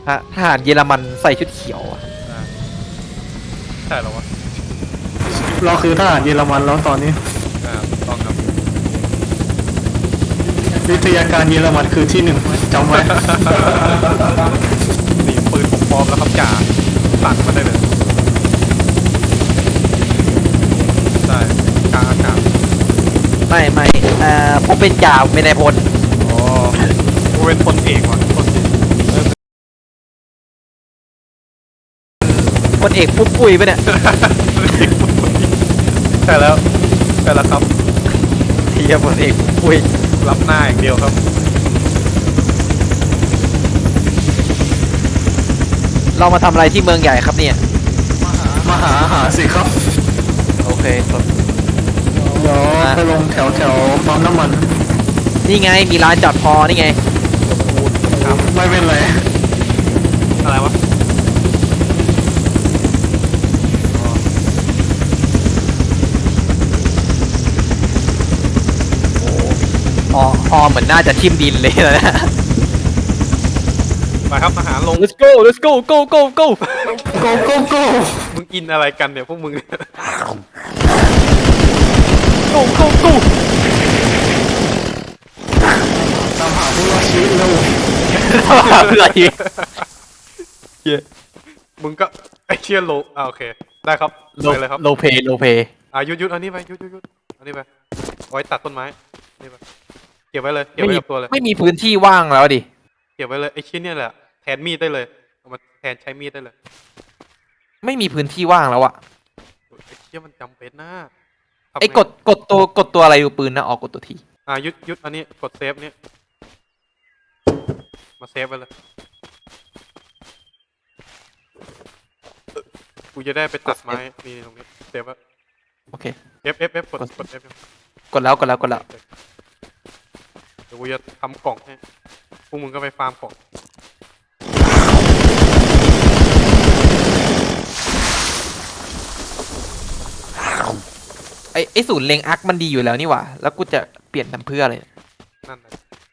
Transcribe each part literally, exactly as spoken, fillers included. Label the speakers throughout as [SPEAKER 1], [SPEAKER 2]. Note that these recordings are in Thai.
[SPEAKER 1] ทหารเยอรมันใส่ชุดเขียวอะ
[SPEAKER 2] อ่าใช่เหรอวะ
[SPEAKER 3] เราคือทหารเยอรมันแล้วตอนนี้
[SPEAKER 2] อ่าถูกต้องครับ
[SPEAKER 3] วิทยาการเยอรมันคือที่หนึ่งจำไว้
[SPEAKER 2] นี่ปืนผมพร้อมแล้วครับจ่าสั่งมาได้เลยใช่กลางอากาศ
[SPEAKER 1] ไม่ไม่เอ่อผมเป็นจ่าเป็นนายพล
[SPEAKER 2] อ๋อกูเป็นพลเอกว่ะพลเอกเออ
[SPEAKER 1] พลเอกปุ๊บปุ้ยไปะเนี่ย
[SPEAKER 2] ใช่แล้วใช่แล้วครับ
[SPEAKER 1] เฮียพลเอกปุ๊บปุ้ย
[SPEAKER 2] รับหน้าอย่างเดียวครับ
[SPEAKER 1] เรามาทำอะไรที่เมืองใหญ่ครับเนี่ย
[SPEAKER 3] มาหาอาหารสิครับ
[SPEAKER 1] โอเคครับ
[SPEAKER 3] เดี๋ยวไปลงแถวแถวปั๊มน้ำมัน
[SPEAKER 1] นี่ไงมีร้านจอดพอนี่ไง
[SPEAKER 2] ครับ
[SPEAKER 3] ไม่เป็นไร
[SPEAKER 2] อะไรวะอ๋อ
[SPEAKER 1] อ๋อฮอเหมือนน่าจะทิ่มดินเลยนะ
[SPEAKER 2] ไปครับอาหารลง
[SPEAKER 1] let's go let's go go go go
[SPEAKER 3] โกโก้โก้
[SPEAKER 2] มึงกินอะไรกันเนี่ยพวกมึง
[SPEAKER 1] go go go
[SPEAKER 3] ตามหาผู้รอดชีวิตเร็ว
[SPEAKER 1] เพื่อที
[SPEAKER 2] มึงก็ไอเชี่ยโลอ่าโอเคได้ครับ
[SPEAKER 1] โล
[SPEAKER 2] ไปเลยครับ
[SPEAKER 1] โลเพโลเพ
[SPEAKER 2] อ่ายุดยุดอันนี้ไปยุดยุดยุดอันนี้ไปเอาไว้ตัดต้นไม้นี่ไปเก็บไว้เลยเก็บ
[SPEAKER 1] ไม่
[SPEAKER 2] ไว้
[SPEAKER 1] มี
[SPEAKER 2] กับตัวเลย
[SPEAKER 1] ไม่มีพื้นที่ว่างแล้วดิ
[SPEAKER 2] เก็บไว้เลยไอชิ้นเนี่ยแหละแทนมีดได้เลยเอามาแทนใช้มีดได้เลย
[SPEAKER 1] ไม่มีพื้นที่ว่างแล้วอะ
[SPEAKER 2] ไอเชี่ยมันจำเป็นนะทำ
[SPEAKER 1] ไอ้
[SPEAKER 2] ง
[SPEAKER 1] กดกดตัวกดตัวอะไรดูปืนนะออกกดตัวที
[SPEAKER 2] อ่ายุดยุดอันนี้กดเซฟเนี่ยมาเซฟไว้เลยกูจะได้ไปตัดไม้นี่ตรงนี้เซฟไว้
[SPEAKER 1] โอเค
[SPEAKER 2] F F F กดกด F
[SPEAKER 1] กดแล้วกดแล้วกดแล้ว
[SPEAKER 2] เดี๋ยวกูจะทำกล่องให้พวกมึงก็ไปฟาร์มกล่อง
[SPEAKER 1] ไอ้ไอ้ศูนย์เล็งอาร์คมันดีอยู่แล้วนี่หว่าแล้วกูจะเปลี่ยนทำเพื่ออะไร
[SPEAKER 2] นั่นเลย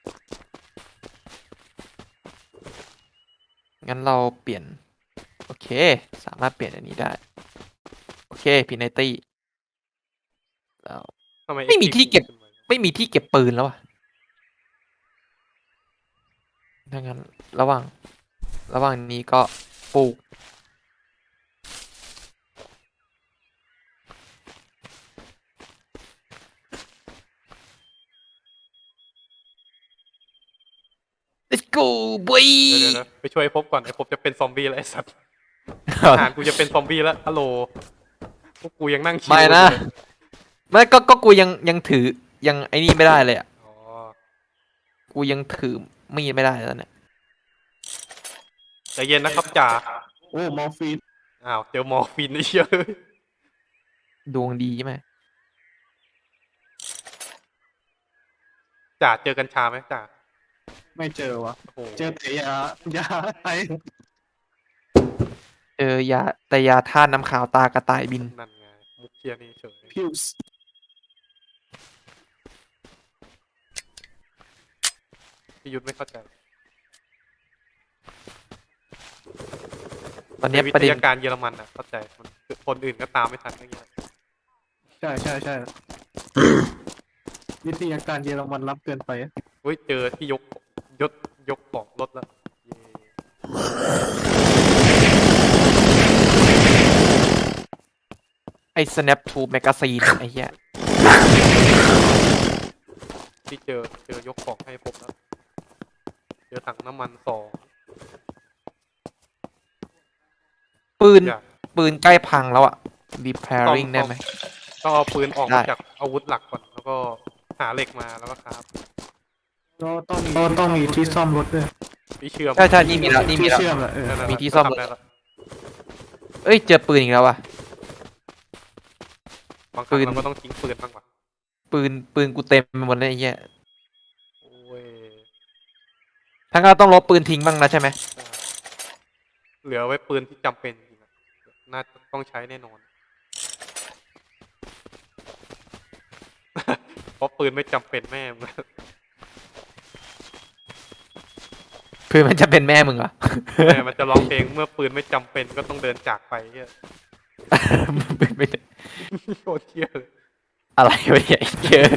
[SPEAKER 1] งั้นเราเปลี่ยนโอเคสามารถเปลี่ยนอันนี้ได้โอเคพินัยตี้แล้ว
[SPEAKER 2] ทำไม
[SPEAKER 1] ไม่มี
[SPEAKER 2] Active
[SPEAKER 1] ที่เก็บ
[SPEAKER 2] ขึ้นมา
[SPEAKER 1] ไม่มีที่เก็บปืนแล้วอะดังนั้นระหว่างระหว่างนี้ก็ปลูก let's go boy
[SPEAKER 2] เดี๋ยวเดี๋ยวเดี๋ยวไปช่วยไอ้ภพก่อนไอ้ภพจะเป็นซอมบี้แล้วไอ้สัตว์อาหารกูจะเป็นซอมบี้แล้วฮัลโหลพวกกูยังนั่งชิว
[SPEAKER 1] ไม่นะ
[SPEAKER 2] อยู่เลย
[SPEAKER 1] ไม่ก็ก็กูยังยังถือยังไอ้นี่ไม่ได้เลยอ่ะ
[SPEAKER 2] อ๋อ
[SPEAKER 1] กูยังถือมีดไม่ได้แล้วเนี่ย
[SPEAKER 2] ใจเย็นนะครับจ่า
[SPEAKER 3] โอ้มอร์ฟีน
[SPEAKER 2] อ้าวเจอมอร์ฟินไอ้เชี่ย
[SPEAKER 1] ดวงดีใช่ไหม
[SPEAKER 2] จ่าเจอกัญชาไหมจ่า
[SPEAKER 3] ไม่เจอวะ
[SPEAKER 2] โอ้โห
[SPEAKER 3] เจอแต่ยายาไอ
[SPEAKER 1] เจอยาแต่ยาธาตุน้ำขาวตากระต่ายบิน
[SPEAKER 2] นั่นไงมุกเชียนี่เฉย
[SPEAKER 3] พิวส์
[SPEAKER 2] พี่ยุทธไม่เข้าใจ
[SPEAKER 1] ตอนเนี้ย
[SPEAKER 2] วิ
[SPEAKER 1] ประ
[SPEAKER 2] ท
[SPEAKER 1] เด็น
[SPEAKER 2] ยาการเยอรมันอ่ะเข้าใจมันคนอื่นก็ตามไม่ทันอย่างเงี้ย
[SPEAKER 3] ใช่ใช่ใช่ วิทยาการเยอรมันรับเกินไป
[SPEAKER 2] เฮ้ยเจอที่ยกยกยกของรถแล้วเย้
[SPEAKER 1] ไอ้ snap to magazine ไอ้เหี้ย
[SPEAKER 2] ที่เจอเจอยกของให้ผมแล้วเจอถังน้ำมันสอง
[SPEAKER 1] ปืน
[SPEAKER 2] อย่าง
[SPEAKER 1] ปืนใกล้พังแล้วอ่ะ
[SPEAKER 2] ต้อง
[SPEAKER 1] repairing ได้ไหม
[SPEAKER 2] ต้องเอาปืนออก
[SPEAKER 1] ได้
[SPEAKER 2] มาจากอาวุธหลักก่อนแล้วก็หาเหล็กมาแล้วก็ครับ
[SPEAKER 3] ก็ต้องมีก็ต้องมีที่ซ่อมรถด้วย
[SPEAKER 2] พี่เชื่อม
[SPEAKER 1] ใช่ใช่นี่มีแล้วนี่มี
[SPEAKER 3] ที่
[SPEAKER 1] แล้ว
[SPEAKER 3] เชื่อมแหละเออ
[SPEAKER 2] นั่นๆ
[SPEAKER 1] มีที่ซ่อม
[SPEAKER 2] ทำได้แล้ว
[SPEAKER 1] เอ้ยเจอปืนอีกแล้วว่ะ
[SPEAKER 2] บางครั้ง
[SPEAKER 1] ปืน
[SPEAKER 2] เราก็ต้องทิ้งปืนบ้างว่ะ
[SPEAKER 1] ปืนปืนกูเต็มไปหมดเลยไอ้เหี้ย
[SPEAKER 2] โอ้ย
[SPEAKER 1] ทั้งเราต้องลบปืนทิ้งบ้างนะใช่ไหม
[SPEAKER 2] เหลือไว้ปืนที่จำเป็นจริงๆอะน่าจะต้องใช้แน่นอน เพราะปืนไม่จำเป็นแม่ง
[SPEAKER 1] เพื่อนมันจะเป็นแม่มึงเหรอ
[SPEAKER 2] แม่มันจะร้องเพลงเมื่อปืนไม่จำเป็นก็ต้องเดินจากไปเฮีย
[SPEAKER 1] เป็นไม่ได้
[SPEAKER 2] โคตรเที่ยเลย
[SPEAKER 1] อะไรวะเนี่ยไอ้เหี้ย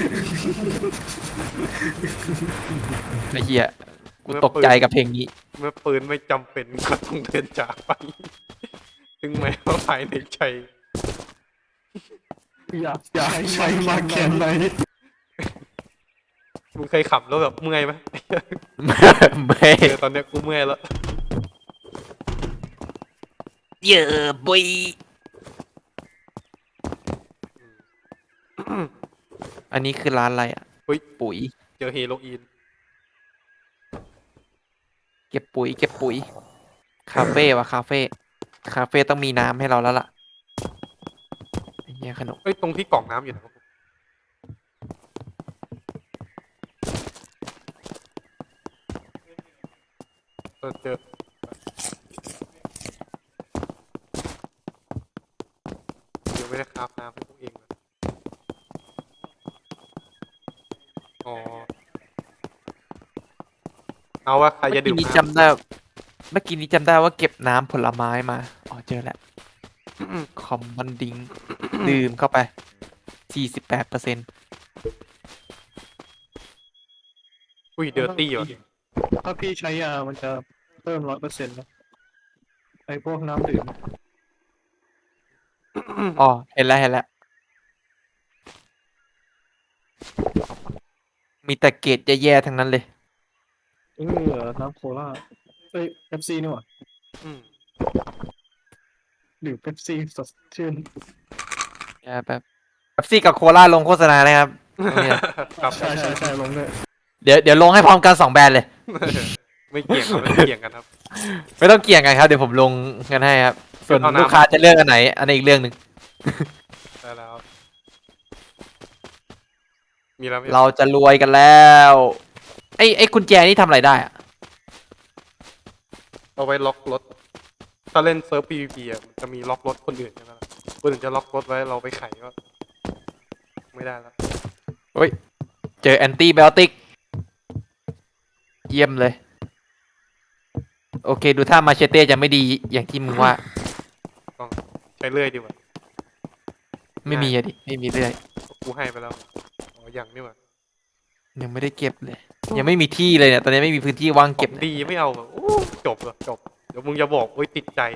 [SPEAKER 1] ไอ้เหี้ยกูตกใจกับเพลงนี้
[SPEAKER 2] เมื่อปืนไม่จำเป็นก็ต้องเดินจากไป ถึงแม้ว่าภายในใจ
[SPEAKER 3] อยากอยากใช้มาแค่ไหน
[SPEAKER 2] มึงเคยขับแล้วแบบเมื่อยไหม
[SPEAKER 1] ไม่
[SPEAKER 2] เออตอนเนี้ยกูเมื่อยแล้ว
[SPEAKER 1] เยอะบุยอันนี้คือร้านอะไรอ่ะ
[SPEAKER 2] เฮ้ย
[SPEAKER 1] ปุ๋ย
[SPEAKER 2] เจอเฮโรอีน
[SPEAKER 1] เก็บปุ๋ย เก็บปุ๋ย คาเฟ่วะคาเฟ่ คาเฟ่ต้องมีน้ำให้เราแล้วล่ะไอ้เหี้ยขนม
[SPEAKER 2] เอ้ยตรงที่กล่องน้ำอยู่นะครับเออเจอเดี๋ยวไม่ได้คราฟน้ำให้พวกเองนะอ๋อเอาว่าใคร
[SPEAKER 1] เมื่
[SPEAKER 2] จะ
[SPEAKER 1] อ
[SPEAKER 2] ดื่
[SPEAKER 1] กี้
[SPEAKER 2] ม
[SPEAKER 1] นี้
[SPEAKER 2] น้
[SPEAKER 1] จำได้ เมื่อกี้นี้จำได้ว่าเก็บน้ำผลไม้มา อ๋อเจอแล้ว
[SPEAKER 2] ำ
[SPEAKER 1] คอมมันดิง ดื่มเข้าไป สี่สิบแปดเปอร์เซ็นต์
[SPEAKER 2] อุ้ยเดอร์ตี้ว่ะ
[SPEAKER 3] ถ้าพี่ใช้ยามันจะเพิ่มร้อยเปอร์เซ็นต์นะไอพวกน้ำดื่ม
[SPEAKER 1] อ๋อ เห็นแล้วเห็นแล้ว มีแต่เกรดแย่ๆทั้งนั้นเลย
[SPEAKER 3] เออน้ำโคลาเอ้ยเป๊ปซี่นี่หว่า
[SPEAKER 2] อืม
[SPEAKER 3] ดื่มเป๊ปซี่สดชื่น
[SPEAKER 1] อย่าแบบแบบซี่กับโคลาลงโฆษณานะครับเนี่ย
[SPEAKER 2] ครับ
[SPEAKER 3] ใช่ใช่ใช่ลงด้วย
[SPEAKER 1] เดี๋ยวเดี๋ยวลงให้พร้อมกันสองแบรนด์เลย
[SPEAKER 2] ไม่เกี่ยงครับไม่เกี่ยงกันครับ
[SPEAKER 1] ไม่ต้องเกี่ยงกันครับ เดี๋ยวผมลงกันให้ครับ ส่วน
[SPEAKER 2] เอาน้ำ
[SPEAKER 1] ลูกค้าจะเลือกอันไหน อันนี้นอีกเรื่องหนึ่ง
[SPEAKER 2] ได้แล้ว มีแล้วไหม
[SPEAKER 1] เราจะรวยกันแล้ว ไอ้ไอ้กุญแจนี่ทำอะไรได้อะ
[SPEAKER 2] เอาไว้ล็อกรถ ถ้าเล่นเซิร์ฟ พี วี พี อ่ะมันจะมีล็อกรถคนอื่นใช่ไหมล่ะคนอื่นจะล็อกรถไว้เราไปไขก็ไม่ได้แล้ว
[SPEAKER 1] เฮ้ย เจอแอนตี้ไบโอติก เยี่ยมเลย โอเค ดูท่ามาเชเต้จะไม่ดีอย่างที่มึงว่า
[SPEAKER 2] ต้องใช้เลื่อยดีกว่า
[SPEAKER 1] ไม่มีอะดิ ไม่มีเรื่อย
[SPEAKER 2] กูให้ไปแล้ว อ๋อยังนี่หว่า
[SPEAKER 1] ยังไม่ได้เก็บเลย ยังไม่มีที่เลยเนี่ย ตอนนี้ไม่มีพื้นที่ว่าง
[SPEAKER 2] เก็
[SPEAKER 1] เก็
[SPEAKER 2] บบ ดีไม่เอาแบบโอ้จบเหรอจบ เดี๋ยวมึงจะบอกโอ้ยติดใจ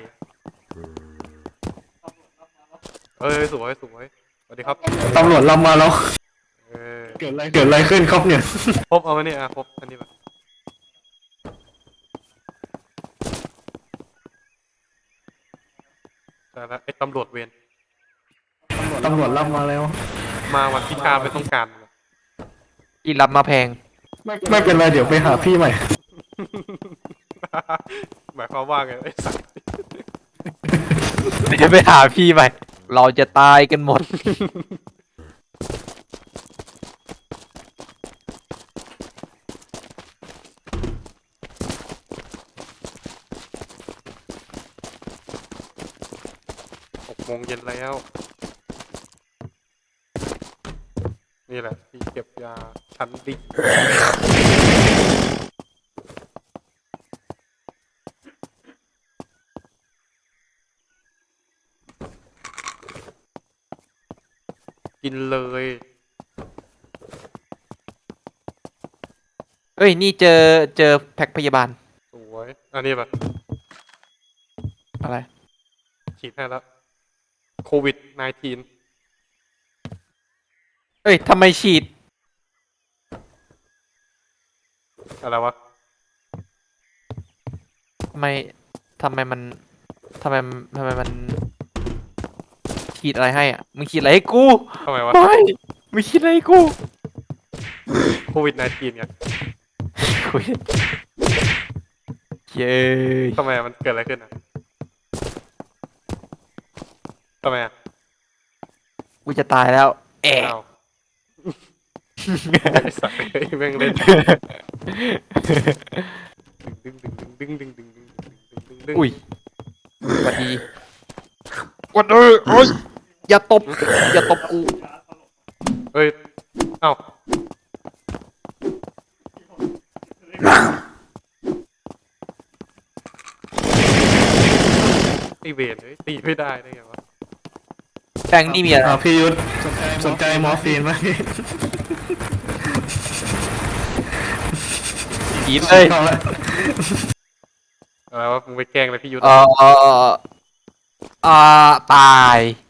[SPEAKER 2] เอ้ยสวยสวยสวัสดีครับ
[SPEAKER 3] ตำรวจเรามาแล้ว
[SPEAKER 2] เออ
[SPEAKER 3] เกิดอะไรเกิดอะไรขึ้นครับเนี่ย
[SPEAKER 2] พบเอาไว้เนี่ยอ่ะพบอันนี้แบบแต่ละไอ้ตำรวจเวร
[SPEAKER 3] ตำรวจรับมาแล้ว
[SPEAKER 2] มาวันที่ข้าไม่ต้องการ
[SPEAKER 1] ที่รับมาแพง
[SPEAKER 3] ไม่เป็นไรเดี๋ยวไปหาพี่ใหม่
[SPEAKER 2] หมายความว่าไงไอ้สัส
[SPEAKER 1] เดี๋ยวไปหาพี่ใหม่ เราจะตายกันหมด
[SPEAKER 2] หกโมงเย็นแล้ว นี่แหละที่เก็บยาชั้นดีกินเลย
[SPEAKER 1] เอ้ย นี่เจอเจอแพ็คพยาบาล
[SPEAKER 2] สวย อันนี้แบบ
[SPEAKER 1] อะไร
[SPEAKER 2] ฉีดให้แล้วโควิด สิบเก้า
[SPEAKER 1] เอ้ยทำไมฉีด
[SPEAKER 2] อะไรวะ
[SPEAKER 1] ทำไมทำไมมันทำไมทำไมมันฉีดอะไรให้อ่ะ มึงฉีดอะไรให้กู
[SPEAKER 2] ทำไมวะ
[SPEAKER 1] ไม่มึงฉีดอะไรให้กู
[SPEAKER 2] โควิด สิบเก้า ไง
[SPEAKER 1] คุยเย้ย
[SPEAKER 2] ทำไมอะมันเกิดอะไรขึ้นอ่ะทำไมอ่ะ
[SPEAKER 1] กูจะตายแล้ว แอะ
[SPEAKER 2] อ้าวไอ้สัตว์เฮ้ยแม่งเล่นดึงดึงดึงดึงดึงดึงดึงดึงดึงดึง
[SPEAKER 1] อุ้ยสวัสดีวัดเออโอ้ยอย่าตบ อย่าตบกู
[SPEAKER 2] เฮ้ยเอ้าตีเวทเลยตีไม่ได้ได้ไงวะ
[SPEAKER 1] แบงค์นี่มีอะไร
[SPEAKER 3] อ่าพี่ยุทธสนใจมอร์ฟีนไหม
[SPEAKER 1] กินเลย
[SPEAKER 3] เอาละ
[SPEAKER 2] อะไรวะมึงไปแกล้งเลยพี่ยุทธ
[SPEAKER 1] เออเออเอออ่าตาย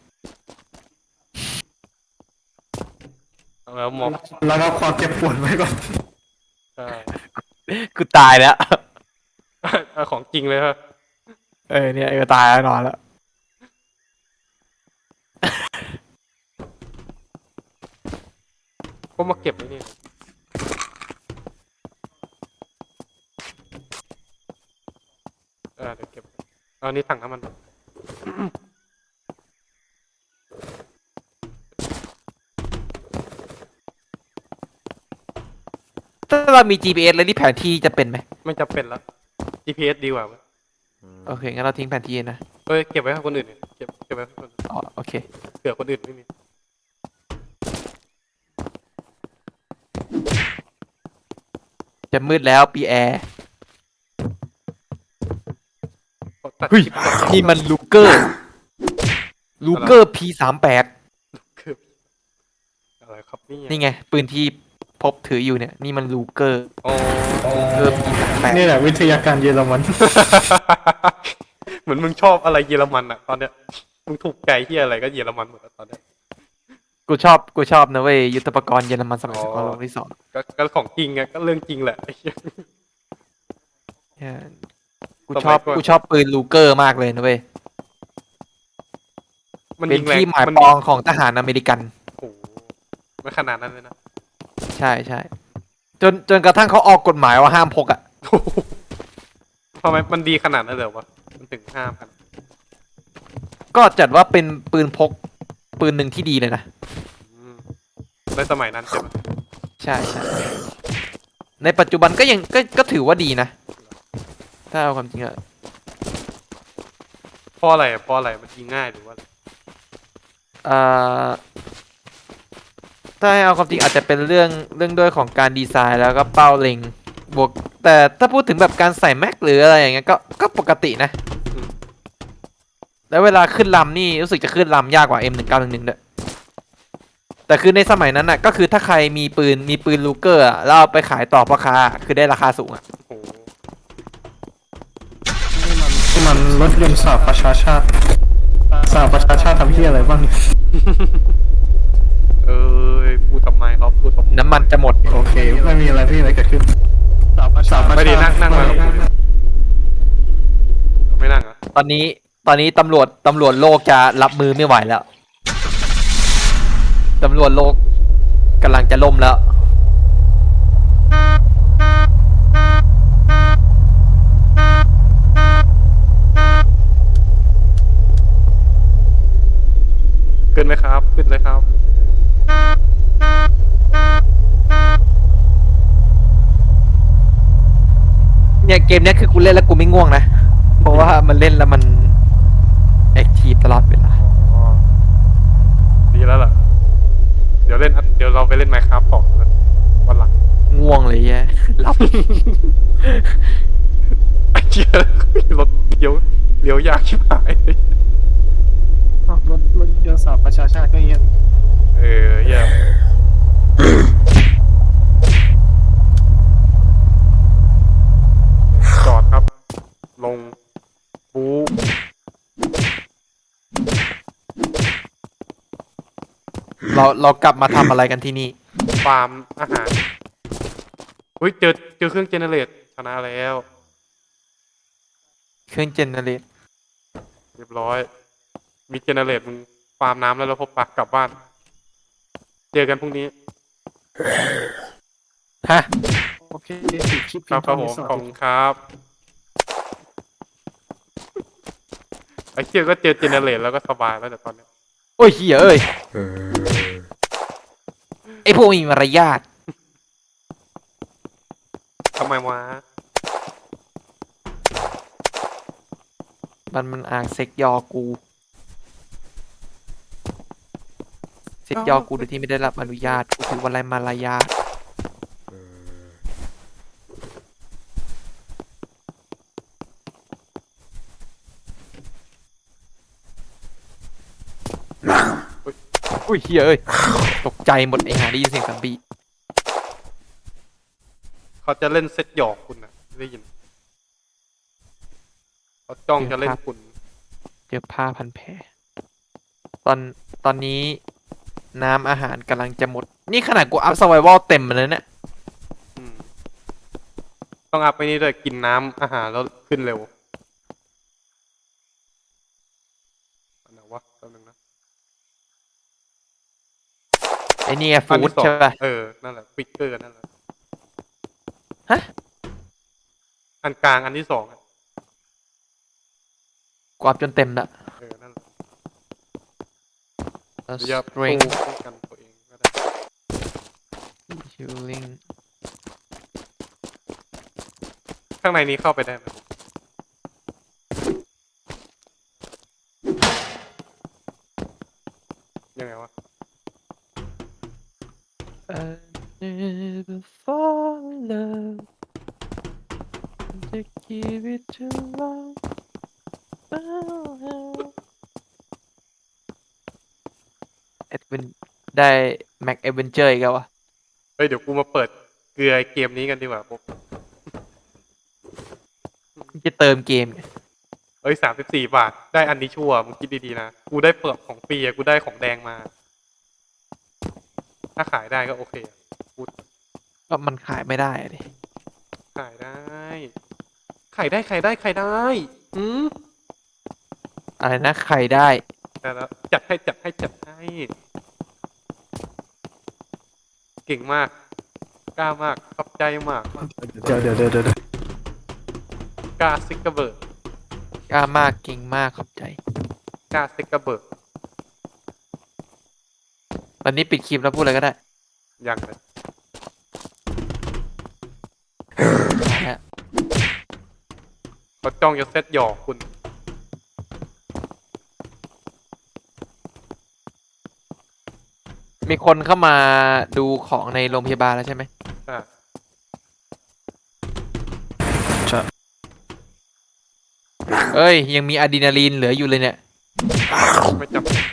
[SPEAKER 2] แล้วหมอบ
[SPEAKER 3] แล้วก็ความเจ็บปวดไว้ก่อน
[SPEAKER 2] ใช่
[SPEAKER 1] กูตายแล้ว
[SPEAKER 2] เอาของจริงเลยฮะ
[SPEAKER 1] เออเนี่ยเออตายแล้วนอนแล้ว
[SPEAKER 2] ก็มาเก็บไว้นี่เออเดี๋ยวเก็บเอานี่ถังน้ำมัน
[SPEAKER 1] ถ้าเรามี จี พี เอส แล้วนี่แผนที่จะเป็นไหม
[SPEAKER 2] ไม่จำเป็นแล้ว จี พี เอส ดีกว่าเว้ย
[SPEAKER 1] โอเคงั้นเราทิ้งแผนที่นะ
[SPEAKER 2] เอ้ยเก็บไว้ให้คนอื่นดิเก็บเก็บไว้ให้คนอื่น
[SPEAKER 1] อ๋อโอเค
[SPEAKER 2] เผื่อคนอื่นไม่มี
[SPEAKER 1] จะมืดแล้วปีแอร์
[SPEAKER 2] ตัด
[SPEAKER 1] เฮ้ย
[SPEAKER 2] คลิปก่อน
[SPEAKER 1] นี่มันลูเกอร์ ลูเกอร์ พี สามแปด
[SPEAKER 2] คืออะไรครับนี่
[SPEAKER 1] นี่ไง ปืนที่พบถืออยู่เนี่ย นี่มันลูเกอร์
[SPEAKER 2] โอ้
[SPEAKER 1] ลูเกอร์ พี สามแปด
[SPEAKER 3] นี่แหละวิทยาการเยอรมัน
[SPEAKER 2] เหมือนมึงชอบอะไรเยอรมันอะตอนเนี้ยมึงถูกใจที่อะไรก็เยอรมันหมดอะตอนเนี้ย
[SPEAKER 1] กูชอบ กูชอบนะเว้ย ยุทธปกรณ์เยอรมันสมัยสงครามโลกที่สอง
[SPEAKER 2] ก็ก็ของจริงอะก็เรื่องจริงแหละไอ้เหี้ย
[SPEAKER 1] เนี่ยกู
[SPEAKER 2] สมัย
[SPEAKER 1] ชอบ
[SPEAKER 2] ก่อน
[SPEAKER 1] กูชอบปืนลูเกอร์มากเลยนะเว้ย
[SPEAKER 2] มัน
[SPEAKER 1] เป็น
[SPEAKER 2] ยิงแรง
[SPEAKER 1] ที่หมาย
[SPEAKER 2] มัน
[SPEAKER 1] ปองของทหารอเมริกัน
[SPEAKER 2] โอ้โหไม่ขนาดนั้นเลยนะ
[SPEAKER 1] ใช่ใช่ จนจนกระทั่งเขาออกกฎหมายว่าห้ามพกอ่ะ
[SPEAKER 2] โอ้โหทำไมมันดีขนาดนั้นเลยวะมันถึงห้ามกัน
[SPEAKER 1] ก็จัดว่าเป็นปืนพก ปืนหนึ่งที่ดีเลยนะ
[SPEAKER 2] อืมในสมัยนั้นใช่ไหม
[SPEAKER 1] ใช่ใช่ ในปัจจุบันก็ยังก็ก็ถือว่าดีนะ ถ้าเอาความจริงอะ
[SPEAKER 2] เพราะอะไรอะเพราะอะไรมันยิงง่ายหรือว่าอะไร
[SPEAKER 1] เอ่อถ้าให้เอาความจริงอาจจะเป็นเรื่องเรื่องด้วยของการดีไซน์แล้วก็เป้าเล็งบวก แต่ถ้าพูดถึงแบบการใส่แม็กหรืออะไรอย่างเงี้ยก็ก็ปกตินะ
[SPEAKER 2] อืม
[SPEAKER 1] แล้วเวลาขึ้นลำนี่รู้สึกจะขึ้นลำยากกว่า เอ็ม หนึ่งเก้าหนึ่งหนึ่ง ด้วย แต่คือในสมัยนั้นน่ะก็คือถ้าใครมีปืนมีปืนลูเกอร์อะแล้วเอาไปขายต่อพ่อค้าคือได้ราคาสูงอ่ะ
[SPEAKER 2] โอ้โห
[SPEAKER 3] นี่มันรถยนต์สหประชาชาติสหประชาชาติทำที่อะไรบ้าง
[SPEAKER 2] เอ้ยพูดทำไมเขาพูดทำไม
[SPEAKER 1] น้ำมันจะหมด
[SPEAKER 3] โอเค ไม่มีอะไรพี่อะไรเกิดขึ้นสหประชา
[SPEAKER 2] ไม่ดีนั่งนั่งมากับกูดิไม่นั่งเหรอ่ะ
[SPEAKER 1] ตอนนี้ตอนนี้ตำรวจตำรวจโลกจะรับมือไม่ไหวแล้ว ตำรวจโลกกำลังจะล่มแล้ว
[SPEAKER 2] ขึ้นไหมครับ ขึ้นเลยครับ
[SPEAKER 1] เนี่ยเกมเนี้ยคือกูเล่นแล้วกูไม่ง่วงนะ เพราะว่ามันเล่นแล้วมันแอคทีฟตลอดเวลา
[SPEAKER 2] อ๋อ ดีแล้วล่ะ เดี๋ยวเล่นอันเดี๋ยวเราไปเล่นไมค์ครับต่อกันวันหลัง
[SPEAKER 1] ง่วงเลยแย่หลับ
[SPEAKER 2] ไอ้เหี้ยรถเลี้ยวเลี้ยวยากชิบหายเลย
[SPEAKER 3] อ้าวรถรถยนต์สหประชาชาติก็เงี้ย
[SPEAKER 2] เออเหี้ยจอดครับ ลงบู
[SPEAKER 1] เราเรากลับมาทำอะไรกันที่นี่
[SPEAKER 2] ฟาร์มอาหารอุ้ยเจอเจอเครื่องเจเนเรตชนะแล้ว
[SPEAKER 1] เครื่องเจนเนเรต
[SPEAKER 2] เรียบร้อย มีเจเนเรตมึงฟาร์มน้ำแล้วเราพบปะกลับบ้าน เจอกันพรุ่งนี้
[SPEAKER 1] ฮะ
[SPEAKER 3] โอเคปิดคลิป
[SPEAKER 2] ครับครับ
[SPEAKER 3] เพี
[SPEAKER 2] ผ
[SPEAKER 3] ยง
[SPEAKER 2] ม
[SPEAKER 3] เท่านี้สวัส
[SPEAKER 2] ขอบ
[SPEAKER 3] ดี
[SPEAKER 2] คุณครับ ไอ้เชี่ยก็เจอเจเนเรตแล้วก็สบายแล้วแต่ตอนเนี้ย
[SPEAKER 1] โอ้ยเฮียเอ้ยไอพวกมีมารยาท
[SPEAKER 2] ทำไมวะ
[SPEAKER 1] มันมันอ่างเซ็กยอกู เซ็กยอกูโดยที่ไม่ได้รับอนุญาตกูถือว่าไรมารยาทอุ้ยเฮียเอ้ยตกใจหมดไอ้ห่าได้ยินเสียงซอมบี้
[SPEAKER 2] เขาจะเล่นเซตหยอกคุณนะได้ยินเขาจ้องจะเล่นคุณ
[SPEAKER 1] เจอผ้าพันแผลตอนตอนนี้น้ำอาหารกำลังจะหมด นี่ขนาดกูอัพ survival เต็มเลยเนี่ย
[SPEAKER 2] อืมต้องอัพไปนี่ด้วยกินน้ำอาหารแล้วขึ้นเร็วอันไหนวะแป๊บนึงนะ
[SPEAKER 1] ไอ้นี่ไง
[SPEAKER 2] อัน
[SPEAKER 1] ฟู้ด
[SPEAKER 2] ที่สอง
[SPEAKER 1] ใช่ป่ะ
[SPEAKER 2] เออนั่นแหละฟิกเกอร์นั่นแหละ
[SPEAKER 1] ฮะ
[SPEAKER 2] อันกลางอันที่สองอะ
[SPEAKER 1] กูอัพจนเต็มละ
[SPEAKER 2] เออนั่นแหละ
[SPEAKER 1] แล้ว
[SPEAKER 2] หรือจะสู้
[SPEAKER 1] strength
[SPEAKER 2] ป้องกันตัวเองก็ได้
[SPEAKER 1] healing
[SPEAKER 2] ข้างในนี้เข้าไปได้ไหมยังไงวะ
[SPEAKER 1] I never fall in love to give it too long เอ็ดวินได้แม็กเอเวนเจอร์อีกแล้ววะ
[SPEAKER 2] เฮ้ยเดี๋ยวกูมาเปิดเกลือเกมนี้กันดีกว่าปุ๊บ
[SPEAKER 1] จะเติมเกมไง
[SPEAKER 2] เอ้ยสามสิบสี่บาทได้อันนี้ชั่วมึงคิดดีๆนะกูได้เปลือกของฟรีอะกูได้ของแดงมา ถ้าขายได้ก็โอเคอะกู
[SPEAKER 1] ก็มันขายไม่ได้อะดิ
[SPEAKER 2] ขายได้ ขายได้ขายได้ขายได้อืม
[SPEAKER 1] อะไรนะใครได้
[SPEAKER 2] แต่แล้วจัดให้จัดให้จัดให้ เก่งมาก กล้ามากขอบใจมาก
[SPEAKER 3] เดี๋ยวเดี๋ยวเดี๋ยวเดี๋ยว
[SPEAKER 2] กล้าซิกเกอร์เบิร์ก
[SPEAKER 1] กล้ามากเก่งมากขอบใจ
[SPEAKER 2] กล้าซิกเกอร์เบิร์ก
[SPEAKER 1] วันนี้ปิดคลิปแล้วพูดอะไรก็ได้
[SPEAKER 2] ยังเลย
[SPEAKER 1] นะฮะ
[SPEAKER 2] เขาจ้องจะเซตหยอกคุณ
[SPEAKER 1] มีคนเข้ามาดูของในโรงพยาบาลแล้วใช่ไหม
[SPEAKER 2] อ่ะ
[SPEAKER 1] เอ้ย ยังมีอะดรีนาลีนเหลืออยู่เลยเนี่ย
[SPEAKER 2] ไม่จำเป็น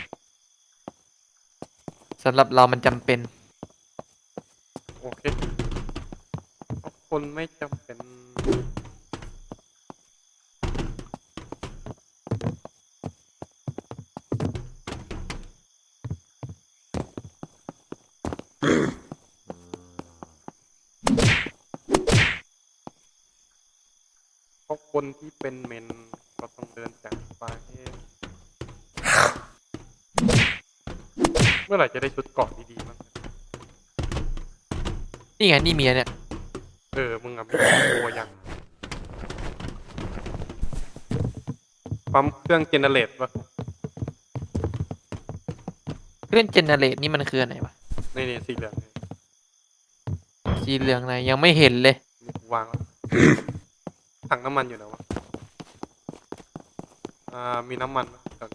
[SPEAKER 1] สำหรับเรามันจำเป็น
[SPEAKER 2] โอเคคนไม่จำเป็น เพราะคนที่เป็นเมนก็ต้องเดินจากไปเมื่อไหร่จะได้ชุดเกราะดีๆมั้ง
[SPEAKER 1] นี่ไงนี่เมียเนี่ย
[SPEAKER 2] เออ มึงอะมีตัวยังปั๊มเครื่องเจเนเรตปะ
[SPEAKER 1] เครื่องเจเนเรตนี่มันคืออะไรวะ
[SPEAKER 2] นี่นี่สีเหลืองนี่
[SPEAKER 1] สีเหลืองไหนยังไม่เห็นเลย
[SPEAKER 2] นี่กูวางแล้วถังน้ำมันอยู่ไหนวะ อ่า มีน้ำมันไหมเดี๋ยว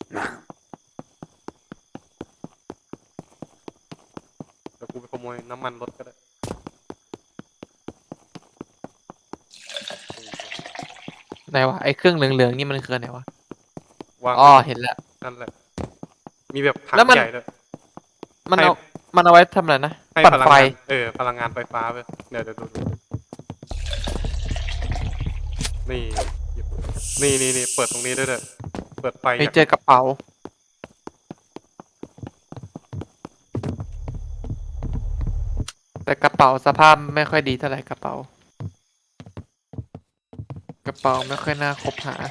[SPEAKER 2] เดี๋ยวกูไปขโมยน้ำมันรถก็ได้
[SPEAKER 1] ไหนวะไอ้เครื่องเหลืองๆนี่มันคืออะไรวะ
[SPEAKER 2] วาง
[SPEAKER 1] อ๋อเห็นแล้ว
[SPEAKER 2] นั่นแหละ มีแบบถัง
[SPEAKER 1] แล้วมัน
[SPEAKER 2] ใหญ่ด้วย
[SPEAKER 1] มัน
[SPEAKER 2] ให้
[SPEAKER 1] เอามันเอาไว้ทำอะไรนะ
[SPEAKER 2] ให้
[SPEAKER 1] ปั่น
[SPEAKER 2] พลัง
[SPEAKER 1] ไฟ
[SPEAKER 2] งาน เออ พลังงานไฟฟ้าไปเดี๋ยวเดี๋ยวดูดูนี่หยิบนี่นี่นี่เปิดตรงนี้ด้วยเด้อเปิดไฟ
[SPEAKER 1] ไป
[SPEAKER 2] จาก
[SPEAKER 1] เจอกระเป๋า แต่กระเป๋าสภาพไม่ค่อยดีเท่าไหร่กระเป๋า กระเป๋าไม่ค่อยน่าคบหา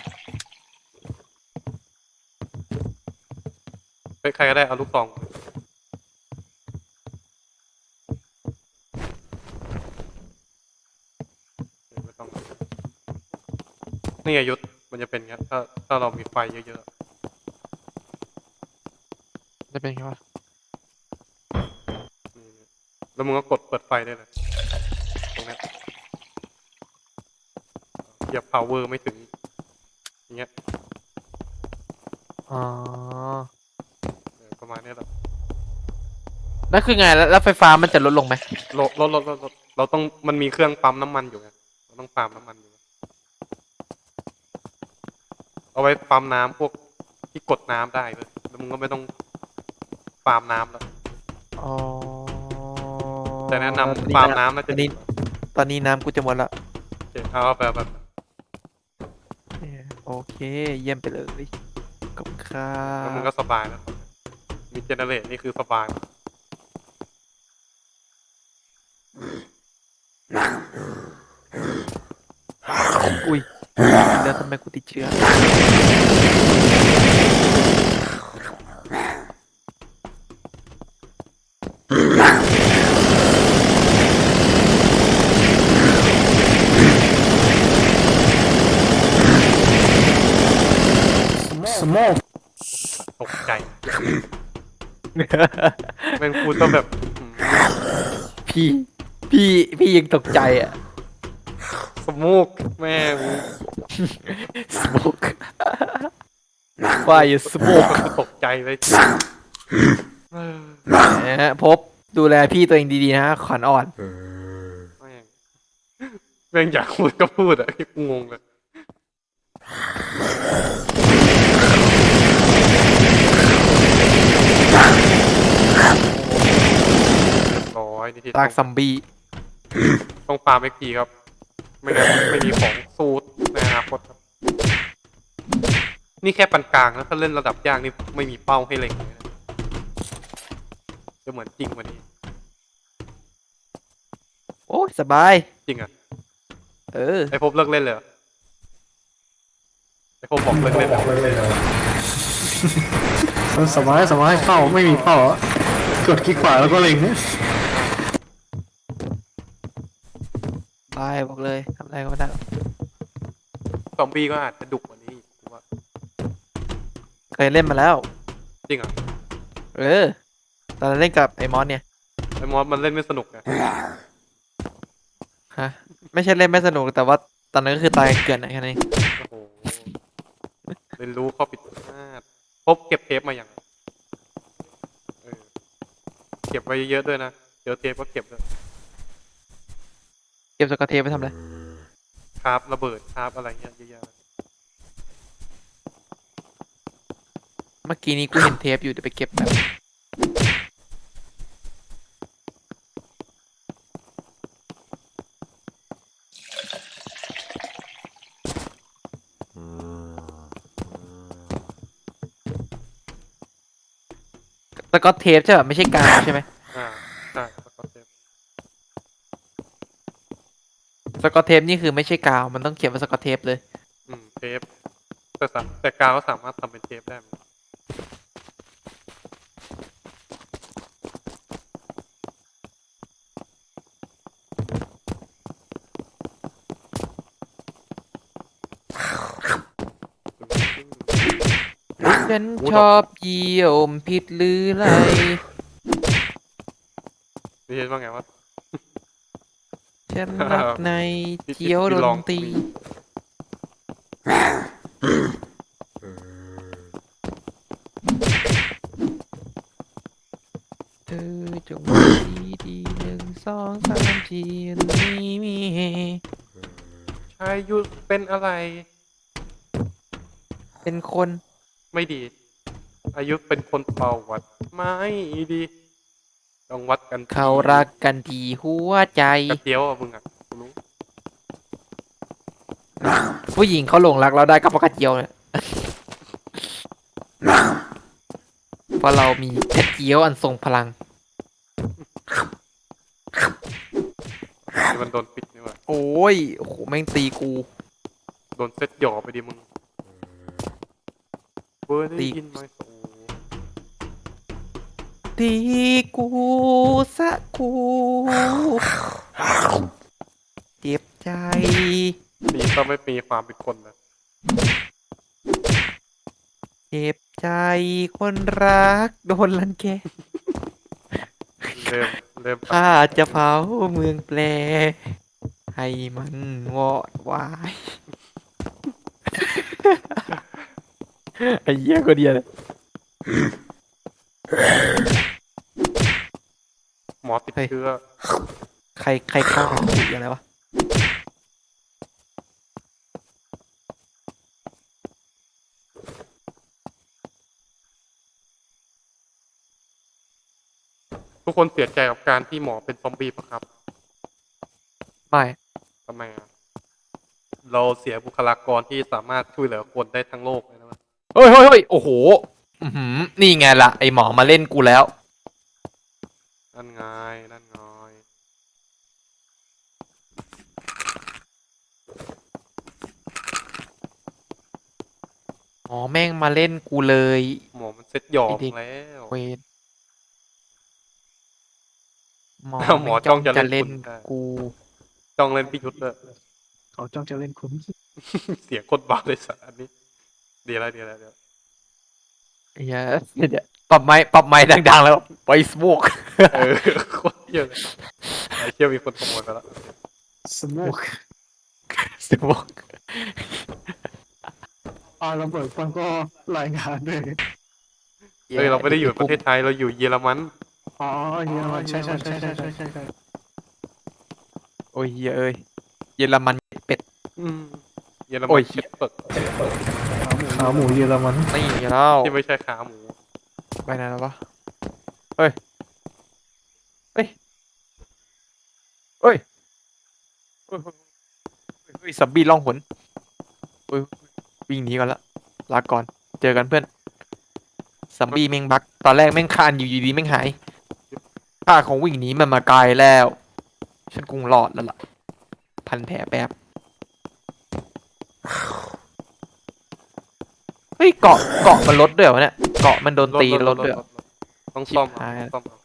[SPEAKER 2] เฮ้ยใครก็ได้เอาลูกซองเดี๋ยวไม่ต้องนี่ไงยุทธมันจะเป็นอย่างเงี้ยถ้าถ้าเรามีไฟเยอะ
[SPEAKER 1] จะเป็นไงวะ
[SPEAKER 2] ๆนี่นี่แล้วมึงก็กดเปิดไฟได้เลยตรงเนี้ยเหยียบ power ไม่ถึงอย่างเงี้ย
[SPEAKER 1] อ๋อ
[SPEAKER 2] เออประมาณเนี้ยแหละ
[SPEAKER 1] นั่นคือไงแล้วแล้วไฟฟ้ามันจะลดลงไหม
[SPEAKER 2] รถรถรถรถรถเราต้องมันมีเครื่องปั๊มน้ำมันอยู่ไงเราต้องปั๊มน้ำมันอยู่เอาไว้ปั๊มน้ำพวกที่กดน้ำได้เลยแล้วมึงก็ไม่ต้องฟาร์มน้ำแล้ว
[SPEAKER 1] อ๋อ
[SPEAKER 2] แต่แนะ
[SPEAKER 1] ตอน
[SPEAKER 2] นำ
[SPEAKER 1] นี้
[SPEAKER 2] ฟาร์ม
[SPEAKER 1] นะ
[SPEAKER 2] น้ำน่า
[SPEAKER 1] ต
[SPEAKER 2] จะ
[SPEAKER 1] อนนี้ ตอนนี้น้ำกูจะหมดละ
[SPEAKER 2] โอเคเอาแบบแบบ
[SPEAKER 1] เนี่ยโอเค เยี่ยมไปเลยขอบคุณครั
[SPEAKER 2] แล้วมึง
[SPEAKER 1] บ
[SPEAKER 2] ก็สบายแล้วมีเจเนเรตนี่คือสบาย
[SPEAKER 1] อุ้ยแล้วทำไมกูติดเชื้อ
[SPEAKER 3] สโมก
[SPEAKER 2] ตกใจแม่งพูดก็แบบอืม
[SPEAKER 1] พี่ พี่ พี่ยังตกใจอ่ะ
[SPEAKER 2] สมูกแม่ง
[SPEAKER 1] smoke fire smoke
[SPEAKER 2] ก็คือตกใจเลยเออ
[SPEAKER 1] นะฮะพบดูแลพี่ตัวเองดีๆนะฮะขวัญอ่อน
[SPEAKER 2] แม่งแม่งอยากพูดก็พูดอะกูงงเลยร้อยนี่ที่
[SPEAKER 1] ลากซัมบี้
[SPEAKER 2] ต้องฟาร์มเอ็กพีครับ ไม่งั้นไม่มีของสู้ในอนาคตครับ นี่แค่ปานกลางนะถ้าเล่นระดับยากนี่ไม่มีเป้าให้เล็งเลยนะจะเหมือนจริงกวันนี้
[SPEAKER 1] โอ้ยสบาย
[SPEAKER 2] จริงอ่ะ
[SPEAKER 1] เออ
[SPEAKER 2] ไอพบเลิกเล่นเลยเหรอไอพบบอกเลิกเล่นเลย
[SPEAKER 3] มันสบายสบายเข้าไม่มีเป้าอะกดคลิกขวาแล้วก็เล็งเนี่ย
[SPEAKER 1] บายบอกเลยทำอะไรก็ไม่ได้หรอก
[SPEAKER 2] ซอมบี้ก็อาจจะดุกว่านี้อีกกูว่า
[SPEAKER 1] เคยเล่นมาแล้ว
[SPEAKER 2] จริงเหรอ่ะ
[SPEAKER 1] เออ ตอนนั้นเล่นกับไอ้มอสเนี่ย
[SPEAKER 2] ไอมอสมันเล่นไม่สนุกไง
[SPEAKER 1] ฮะ ไม่ใช่เล่นไม่สนุกแต่ว่าตอนนั้นก็คือตายเกลื่อนอะแค่นั้นเอง
[SPEAKER 2] โอ้โหเรียนรู้ข้อผิดพลาดพบเก็บเทปมาอย่างเออเก็บไว้เยอะๆด้วยนะเดี๋ยวเทปก็เก็บด้วย
[SPEAKER 1] เก็บสกอตเทปไปทำอะไร
[SPEAKER 2] คราฟระเบิดคราฟอะไรเงี้ยเยอะแยะเลย
[SPEAKER 1] เมื่อกี้นี้กูเห็นเทปอยู่เดี๋ยวไปเก็บแบบ สกอตเทปใช่ป่ะไม่ใช่กาวใช่ไหม
[SPEAKER 2] อ่าใช่แล้วก็เทป
[SPEAKER 1] สกอตเทปนี่คือไม่ใช่กาวมันต้องเขียนว่าสกอตเทปเลย
[SPEAKER 2] อืมเทปแต่สาแต่กาวก็สามารถทำเป็นเทปได้เหมือนกัน
[SPEAKER 1] ฉันชอบเยี่ยมผิดหรือไร
[SPEAKER 2] นี่เห็นว่าไงวะ
[SPEAKER 1] ฉันรักในเที่ยวดนตรีเธอจงดีดีหนึ่งสองสามสี่นี้มีเฮ
[SPEAKER 2] ชายยุทธเป็นอะไร
[SPEAKER 1] เป็นคน
[SPEAKER 2] ไม่ดี อายุเป็นคนเป่าวัดไม่ดีต้องวัดกันที่
[SPEAKER 1] เขารักกันที่หัวใจ
[SPEAKER 2] กระเทียวอ่ะมึงอ่ะกูรู้
[SPEAKER 1] ผู้หญิงเขาหลงรักเราได้ก็เพราะกระเจียวเนี่ยเพราะเรามีกระเจียวอันทรงพลัง
[SPEAKER 2] มันโดนปิดนี่หว่า
[SPEAKER 1] โอ้ยโอ้โหแม่งตีกู
[SPEAKER 2] โดนเซ็ตหยอไปดิมึงเบอร์ได้
[SPEAKER 1] ตี
[SPEAKER 2] ยินไหมโอ้
[SPEAKER 1] ตีกูสะกูเจ็บใจ
[SPEAKER 2] ดีก็ไม่มีความเป็นคนนะ
[SPEAKER 1] เจ็บใจคนรักโดนรังแก
[SPEAKER 2] เริ่มเริ่ม
[SPEAKER 1] ข้าจะเผาเมืองแปล ให้มันวอดวาย ไอ้เหี้ยก็เดียวเลย
[SPEAKER 2] หมอติดเชื้อ
[SPEAKER 1] ใครใครฆ่าถูกอะไรวะ
[SPEAKER 2] กคนเสียใจกับการที่หมอเป็นซอมบี้ปะครับ
[SPEAKER 1] ไม่
[SPEAKER 2] ทำไมอ่ะเราเสียบุคลากรที่สามารถช่วยเหลือคนได้ทั้งโลกเลยนะ
[SPEAKER 1] เฮ้ยเฮ้ยเฮ้ยโอ้โหอื้อหือนี่ไงล่ะ ไอหมอมาเล่นกูแล้ว
[SPEAKER 2] นั่นไงนั่นไง
[SPEAKER 1] หมอแม่งมาเล่นกูเลย
[SPEAKER 2] หมอมันเซ็ตหยอม
[SPEAKER 1] ไอ้เด็ก
[SPEAKER 2] แล้ว
[SPEAKER 1] เวนหมอ
[SPEAKER 2] อ้าวหมอ
[SPEAKER 1] แม่ง
[SPEAKER 2] จ้องจะเล่
[SPEAKER 1] เล่
[SPEAKER 2] น
[SPEAKER 1] น
[SPEAKER 2] คุณได้
[SPEAKER 1] กู
[SPEAKER 2] จ้องเล่นพิยุทธ์เลย
[SPEAKER 3] เขาจ้องจะเล่นคุณ
[SPEAKER 2] เสียงโคตรบ้าเลยสัตว์อันนี้เดี๋ยวอะไรเดี๋ยวอะไรเดี๋ยว
[SPEAKER 1] เหี้ยเดี๋ยวปรับไม้ปรับไม้ดังๆแล้วไปสโมก
[SPEAKER 2] เออโคตรเยอะเลยไอ้เชี่ยมีคนขโมยไปแล้ว
[SPEAKER 3] สโมก
[SPEAKER 1] สโมก
[SPEAKER 3] อ่าระเบิดฟังก็รายงานด้วย
[SPEAKER 2] เฮ้ยเราไม่ได้อยู่ประเทศไทยเราอยู่เยอรมัน
[SPEAKER 3] อ๋อเยอรมันใช่ใช่ใช่ใช่ใช่ใช่ใช่
[SPEAKER 1] โอ้ยเหี้ยเอ้ยเยอรมันเป็ด
[SPEAKER 2] อืมเยอร
[SPEAKER 1] โอ้
[SPEAKER 2] มัน
[SPEAKER 1] ยเหี้
[SPEAKER 2] เช็
[SPEAKER 1] ย
[SPEAKER 2] ดเปิด
[SPEAKER 3] ขาหมูเยอรมัน
[SPEAKER 1] นี่แล้ว
[SPEAKER 2] ที่ไม่ใช่ขาหมู
[SPEAKER 1] ไปไหนแล้ววะเฮ้ยเฮ้ยเฮ้ยเฮ้ยเฮ้ยเฮ้ยสับบี้ล่องหนเฮ้ยวิ่งหนีก่อนละลาก่อนเจอกันเพื่อนซัมบี้แม่งบักตอนแรกแม่งคานอยู่ดีๆแม่งหายข้าของวิ่งหนีมันมาไกลแล้ว ฉันคงรอดแล้วล่ะ พันแผลแป๊บ เฮ้ยเกาะเกาะมันลดด้วยเหรอเนี่ย เกาะมันโดนตีลดด้วยเหรอ
[SPEAKER 2] ต้องซ่อม
[SPEAKER 1] ชิบหาย
[SPEAKER 2] ต้องซ่อมเอา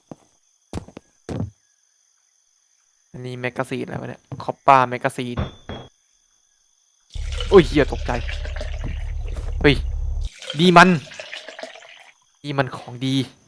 [SPEAKER 1] อันนี้แมกกาซีนอะไรวะเนี่ย คอปป้าแมกกาซีนโอ้ยเฮียตกใจ เฮ้ย ดีมัน ดีมันของดี